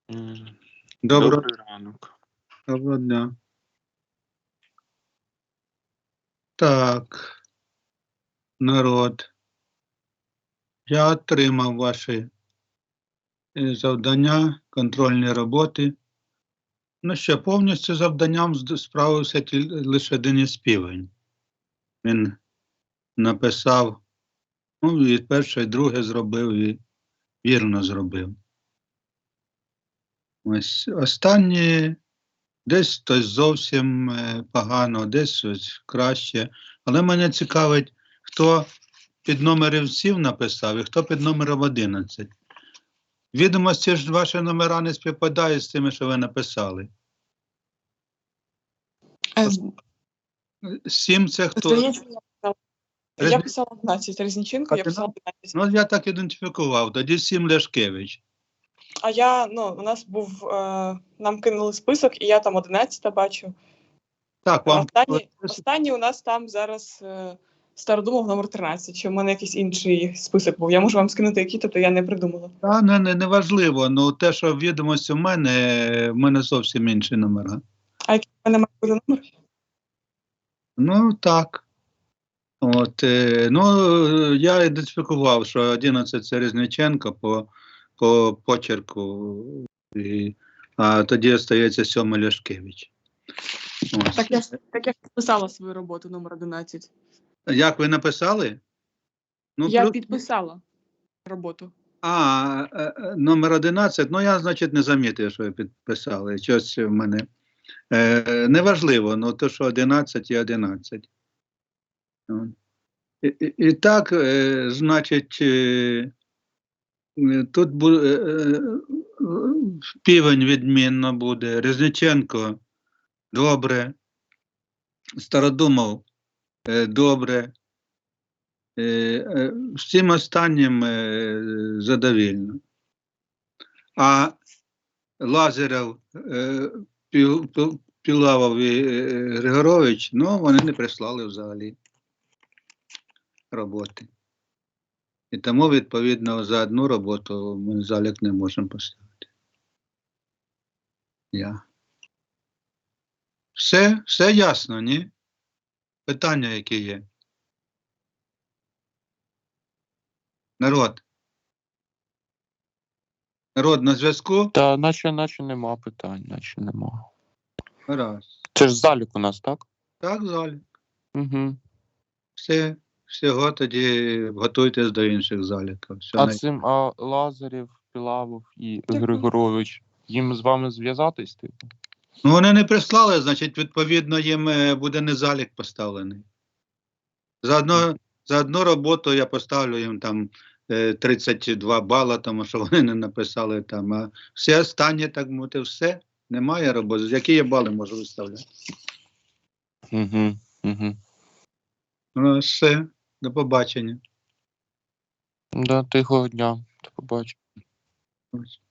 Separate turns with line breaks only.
Добрий ранок.
Доброго дня. Так, народ. Я отримав ваші завдання, контрольні роботи. Ну що, повністю завданням справився лише Денис Півень. Він написав, ну, і перше, і друге зробив, і вірно зробив. Ось останні десь хтось зовсім погано, десь щось краще. Але мене цікавить, хто під номером 7 написав і хто під номером 11. Відомості ж ваші номера не співпадають з тими, що ви написали. 7 це хто?
Я писала 11, Резніченко, я писала 11.
Ну, я так ідентифікував, тоді 7 Ляшкевич.
А я, у нас був, нам кинули список, і я там 11 бачу.
Так, вам...
Останній у нас там зараз Стародумов номер 13, чи в мене якийсь інший список був. Я можу вам скинути який, тобто я не придумала.
Так, не важливо, ну те, що в відомості в мене зовсім інші номера.
А який в мене має бути номер?
Ну, так. От, я ідентифікував, що 11 це Резніченко по почерку, а тоді залишається 7 Ляшкевич. Ось.
Так я підписала свою роботу номер 11.
Як ви написали? Ну,
я підписала роботу.
Номер 11, ну я, значить, не замітив, що ви підписали. Щось в мене неважливо, ну то, що 11 і 11. І так, значить, тут Півень відмінно буде, Резніченко добре, Стародумов добре, всім останнім задовільно. А Лазарев, Пілавов і Григорович, ну, вони не прислали взагалі роботи. І тому, відповідно, за одну роботу ми залік не можемо поставити. Все ясно, ні? Питання, які є? Народ на зв'язку?
Та наче нема питань, наче нема.
Раз.
Це ж залік у нас, так?
Так, залік.
Угу.
Всього тоді готуйтесь до інших заліків.
А Лазарєв, Пілавов і Григорович, їм з вами зв'язатись, типу?
Ну, вони не прислали, значить, відповідно, їм буде не залік поставлений. За одну роботу я поставлю їм там 32 бала, тому що вони не написали там, а все останнє, так мовити, все, немає роботи. Які я бали можу виставляти? Ну, все, до побачення.
Да, тихого дня, до побачення.